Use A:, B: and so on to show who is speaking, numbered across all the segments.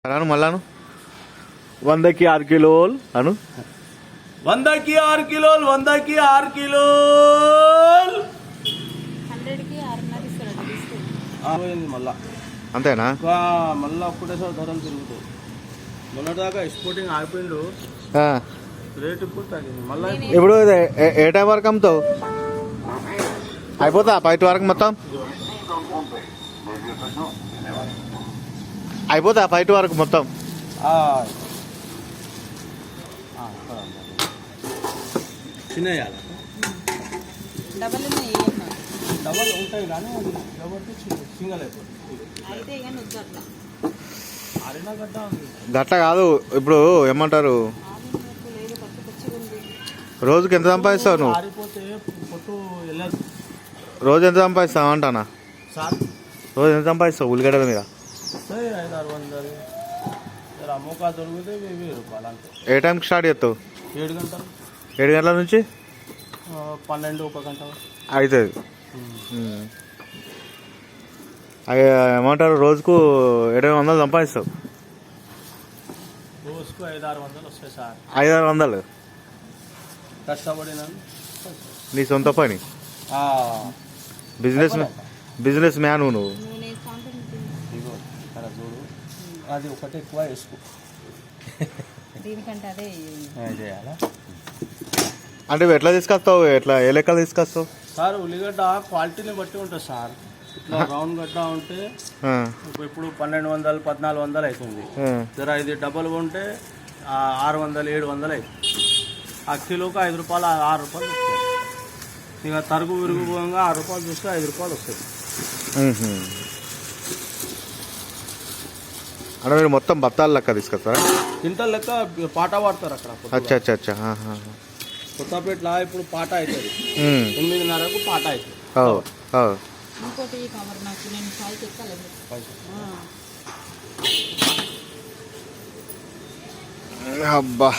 A: అను మళ్ళాను 100కి 6 కిలోలు అను
B: 100కి 6 కిలోలు 100కి 6 కిలోలు
C: 100కి 6.5 ఇస్తాడు
B: పోయింది మళ్ళా
A: అంతేనా
B: మళ్ళీ ఒకటేసారి ధరలు తిరుగుతాయి. మొన్నటిదాకా ఎక్స్పోర్టింగ్ ఆగిపోయిండు, రేట్ ఇప్పుడు తగ్గింది మళ్ళీ.
A: ఇప్పుడు ఏ టైం వరకు అమ్ముతావు? అయిపోతా 5 వరకు మొత్తం అయిపోతా 5 వరకు మొత్తం.
B: చిన్న
C: డబల్
B: డబల్ ఉంటాయి కానీ కాబట్టి సింగల్ అయిపోతుంది.
C: అయితే ఇక నువ్వు అట్లా
B: ఆరినా గడ్డ ఉంది.
A: గట్ల కాదు, ఇప్పుడు ఏమంటారు,
C: లేదు పచ్చి పచ్చిగా ఉంది.
A: రోజుకి ఎంత సంపాదిస్తావు నువ్వు?
B: ఆరిపోతే పొట్టు వెళ్ళదు.
A: రోజు ఎంత సంపాదిస్తావు అంటానా?
B: సార్
A: రోజు ఎంత సంపాదిస్తావు ఉల్లిగడ్డల మీద?
B: 500-600 అమ్మకా దొరికితే 1000 రూపాయలు అంతే.
A: ఏ టైంకి స్టార్ట్ చేస్తావు?
B: 7 గంటలు
A: 7 గంటల నుంచి
B: 12-1 గంట
A: అవుతుంది. అవి ఏమంటారు, రోజుకు 700 సంపాదిస్తావు?
B: రోజుకు 500-600 వస్తాయి సార్.
A: 500-600
B: కష్టపడినాను.
A: నీ సొంత పని, బిజినెస్ మ్యాన్ నువ్వు.
C: నూనె కాంటెంట్
B: ఇగో ఇక్కడ చూడు, అది ఒకటి ఎక్కువ వేసుకో.
C: దీనికంటే అదే
B: చేయాలా
A: అంటే ఎట్లా తీసుకొస్తావు? ఎట్లా ఏ లెక్కలు తీసుకొస్తావు
B: సార్? ఉల్లిగడ్డ క్వాలిటీని బట్టి ఉంటుంది సార్. ఇట్లా రౌండ్ గడ్డ ఉంటే ఇప్పుడు 1200-1400 అవుతుంది. జర ఇది డబల్ ఉంటే 600-700 అవుతుంది. ఆ కిలోకి 5 రూపాయలు 6 రూపాయలు వస్తాయి. ఇక తరుగు విరుగు పోగా 6 రూపాయలు చూస్తే 5 రూపాయలు వస్తుంది.
A: అంటే మీరు మొత్తం బత్తాలు లెక్క తీసుకొస్తారా?
B: క్వింటల్ లెక్క పాట వాడతారు అక్కడ.
A: అచ్చా అచ్చా అచ్చా.
B: కొత్తపేటలో ఇప్పుడు పాట అవుతుంది, 8:30కు పాట అవుతుంది.
C: ఇంకోటి కవర్ నాకు నేను పైకి ఎక్కలేదు.
A: అబ్బా,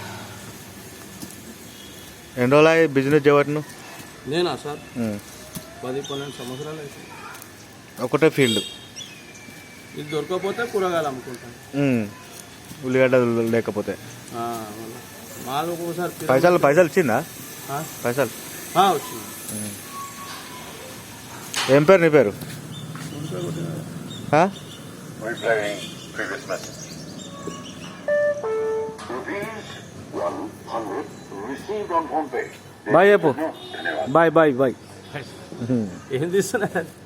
A: ఎన్ని రోజులు బిజినెస్ చేయబట్టి నువ్వు?
B: నేనా సార్ 10-12 సంవత్సరాలు అవుతుంది.
A: ఒకటే ఫీల్డ్.
B: ఇది దొరకకపోతే కూరగాయలు అమ్ముకుంటాను.
A: ఉల్లిగడ్డ లేకపోతే
B: మాలు ఒక్కొక్కసారి
A: పైసలు ఇచ్చిందా? పైసలు
B: వచ్చింది.
A: ఏం పేరు నీ పేరు? బాయ్ చెప్పు. Bye bye bye.
B: ఏం తీస్తున్నారు?